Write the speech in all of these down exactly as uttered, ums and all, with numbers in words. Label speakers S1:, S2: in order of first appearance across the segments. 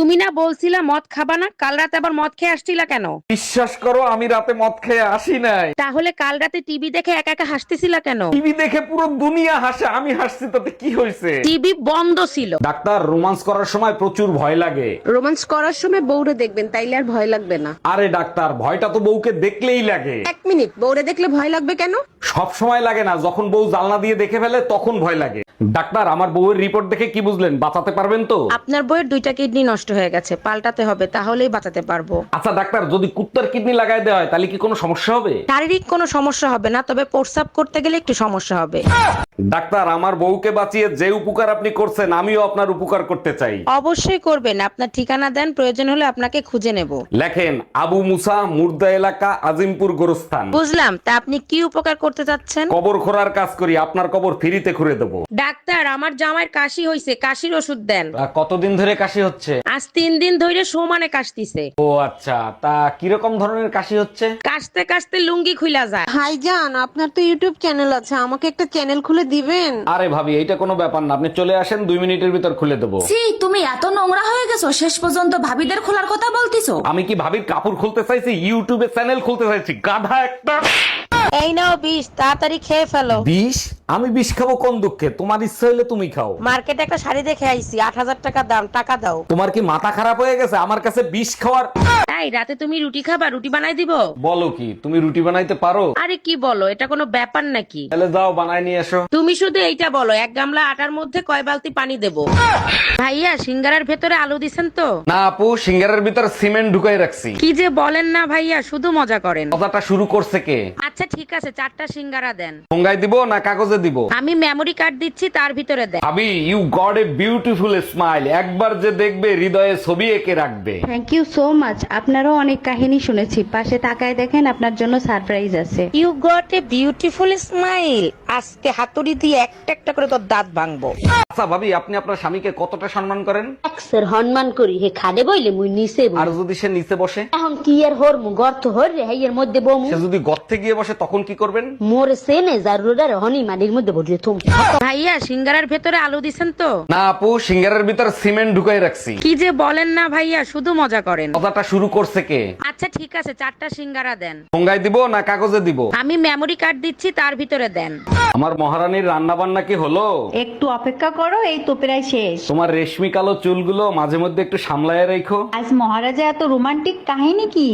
S1: তুমি না বলছিলা মদ খাবা না, কাল রাতে আবার মদ খেয়ে আসছিলা কেন?
S2: বিশ্বাস করো আমি রাতে মদ খেয়ে আসি নাই।
S1: তাহলে কাল রাতে টিভি দেখে একা একা হাসতেছিলা কেন?
S2: টিভি দেখে পুরো দুনিয়া হাসে, আমি হাসছি তাতে কি হয়েছে?
S1: টিভি বন্ধ ছিল।
S2: ডাক্তার, রোমান্স করার সময় প্রচুর ভয় লাগে।
S3: রোমান্স করার সময় বউরে দেখবেন, তাইলে আর ভয় লাগবে না।
S2: আরে ডাক্তার, ভয়টা তো বউকে দেখলেই লাগে।
S3: এক মিনিট, বউরে দেখলে ভয় লাগবে কেন?
S2: সব সময় লাগে না, যখন বউ জানলা দিয়ে দেখে ফেলে তখন ভয় লাগে। ডাক্তার, আমার বউয়ের রিপোর্ট দেখে কি বুঝলেন? বাঁচাতে পারবেন তো?
S1: আপনার বইয়ের দুইটা কিডনি নষ্ট হয়ে গেছে, পাল্টাতে হবে, তাহলেই বাঁচাতে পারবো।
S2: আচ্ছা ডাক্তার, যদি কুত্তার কিডনি লাগাই দেওয়া হয় তাহলে কি কোনো সমস্যা হবে?
S1: শারীরিক কোনো সমস্যা হবে না, তবে প্রস্রাব করতে গেলে একটু সমস্যা হবে।
S2: ডাক্তার, আমার বউকে বাঁচিয়ে যে উপকার আপনি করছেন আমিও আপনার উপকার করতে চাই।
S1: অবশ্যই করবেন, আপনার ঠিকানা দেন, প্রয়োজন হলে আপনাকে খুঁজে নেব।
S2: লেখেন, আবু মুসা, মুর্দা এলাকা, আজিমপুর গোরস্থান।
S1: বুঝলাম, তা আপনি কি উপকার করতে চাচ্ছেন?
S2: কবর খোঁড়ার কাজ করি, আপনার কবর ফ্রিতে খুঁড়ে দেবো।
S1: ডাক্তার, আমার জামাইয়ের কাশি হইছে, কাশির ওষুধ দেন।
S2: কতদিন ধরে কাশি হচ্ছে?
S1: আজ তিন দিন ধরে সমানে কাশতিছে।
S2: ও আচ্ছা, তা কিরকম ধরনের কাশি হচ্ছে?
S1: কাশতে কাশতে লুঙ্গি খুইলা যায়।
S3: ভাইজান, আপনার তো ইউটিউব চ্যানেল আছে, আমাকে একটা চ্যানেল খুলে দিবেন?
S2: আরে ভাবি, এইটা কোনো ব্যাপার না, আপনি চলে আসেন, দুই মিনিটের ভিতর খুলে দেবো।
S4: ছি, তুমি এত নোংরা হয়ে গেছো, শেষ পর্যন্ত ভাবিদের খোলার কথা বলতিছো।
S2: আমি কি ভাবির কাপড় খুলতে চাইছি? ইউটিউবে চ্যানেল খুলতে চাইছি, গাধা একটা।
S1: এই নাও বিষ, তাড়াতাড়ি খেয়ে ফেলো।
S2: বিষ? আমি বিষ খাবো কোন দুঃখে? তোমার ইচ্ছা হইলে তুমি খাও।
S1: মার্কেটে একটা শাড়ি দেখে আইছি, আট হাজার টাকা দাম, টাকা দাও।
S2: তোমার কি মাথা খারাপ হয়ে গেছে আমার কাছে বিষ খাওয়ার?
S1: এই রাতে তুমি রুটি খাবা? রুটি বানাই দিব?
S2: বলো কি, তুমি রুটি বানাইতে পারো?
S1: আরে কি বলো, এটা কোনো ব্যাপার নাকি?
S2: তাহলে যাও বানাই নিয়ে এসো।
S1: তুমি শুধু এইটা বলো, এক গামলা আটার মধ্যে কয় বালতি পানি দেব? ভাইয়া, সিঙ্গারার ভেতরে আলু দিছেন তো?
S2: না আপু, সিঙ্গারের ভিতর সিমেন্ট ঢুকাই রাখছি।
S1: কি যে বলেন না ভাইয়া, শুধু মজা করেন।
S2: কথাটা শুরু করছে কে?
S1: আচ্ছা ঠিক আছে, চারটা সিঙ্গারা দেন।
S2: ঠোঙ্গায় দিব না কাগজে দিব?
S1: আমি মেমরি কার্ড দিচ্ছি, তার ভিতরে দেন।
S2: ভাবি, you got a beautiful smile, একবার যে দেখবে হৃদয়ে ছবি এঁকে রাখবে।
S5: Thank you so much. আপনারও অনেক কাহিনী শুনেছি, পাশে তাকায় দেখেন, আপনার জন্য সারপ্রাইজ আছে।
S1: You got a beautiful smile. আজকে হাতুড়ি দিয়ে একটা একটা করে তোর দাঁত ভাঙবো।
S2: আচ্ছা ভাবি, আপনি আপনার স্বামীকে কতটা সম্মান করেন?
S6: একসের হনমান করি হে খাদে বইলে মুই নিচে বই।
S2: আর যদি সে নিচে বসে?
S6: এখন কি এর হর মু গর্ত হর রে হেয়ের মধ্যে বমু।
S2: সে যদি গর্তে গিয়ে বসে তখন কি করবেন?
S6: মোর সেনে জারুরার হনি মানির মধ্যে বসে তুম।
S1: ভাইয়া, সিঙ্গারার ভেতরে আলু দিছেন তো?
S2: না আপু, সিঙ্গারের ভিতর সিমেন্ট ঢুকাই রাখছি।
S1: কি যে বলেন না ভাইয়া, শুধু মজা করেন।
S2: কথাটা শুরু করছে কে?
S1: আচ্ছা ঠিক আছে, চারটা সিঙ্গারা দেন।
S2: ঠোঙ্গায় দিব না কাগজে দিব?
S1: আমি মেমরি কার্ড দিচ্ছি, তার ভিতরে দেন।
S2: আমার মহারানীর রান্না বান্না কি হলো?
S5: একটু অপেক্ষা করো, এই তো প্রায় শেষ।
S2: তোমার রেশমি কালো চুলগুলো মাঝে মধ্যে একটু সামলায় রেখো।
S5: আজ মহারাজা এত রোমান্টিক কাহিনী কি?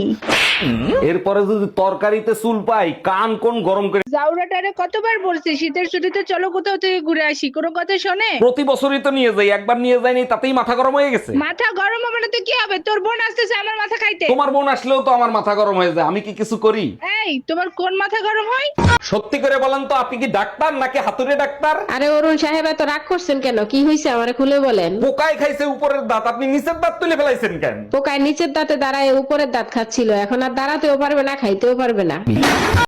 S2: এরপরে যদি তরকারিতে চুল পাই, কান কোন গরম করে।
S7: জাউরাটারে কতবার বলছি শীতের ছুটিতে চলো কোথাও থেকে ঘুরে আসি, কোনো কথা শোনে?
S2: প্রতি বছরই তো নিয়ে যাই, একবার নিয়ে যাইনি তাতেই মাথা গরম হয়ে গেছে।
S7: মাথা গরম হবে না তো কি হবে? তোর বোন আসতেছে আমার মাথা খাইতে।
S2: তোমার বোন আসলেও তো আমার মাথা গরম হয়ে যায়, আমি কি কিছু করি?
S7: এই, তোমার কোন মাথা গরম হয়?
S2: সত্যি করে বলেন তো, আপনি কি ডাক্তার নাকি হাতুড়ে ডাক্তার?
S3: আরে অরুণ সাহেব, এত রাগ করছেন কেন? কি হয়েছে আমারে খুলে বলেন।
S2: পোকায় খাইছে উপরের দাঁত, আপনি নিচের দাঁত তুলে ফেলাইছেন কেন?
S3: পোকায় নিচের দাঁতে দাঁড়ায় উপরের দাঁত খাচ্ছিল, এখন আর দাঁড়াতেও পারবে না, খাইতেও পারবে না।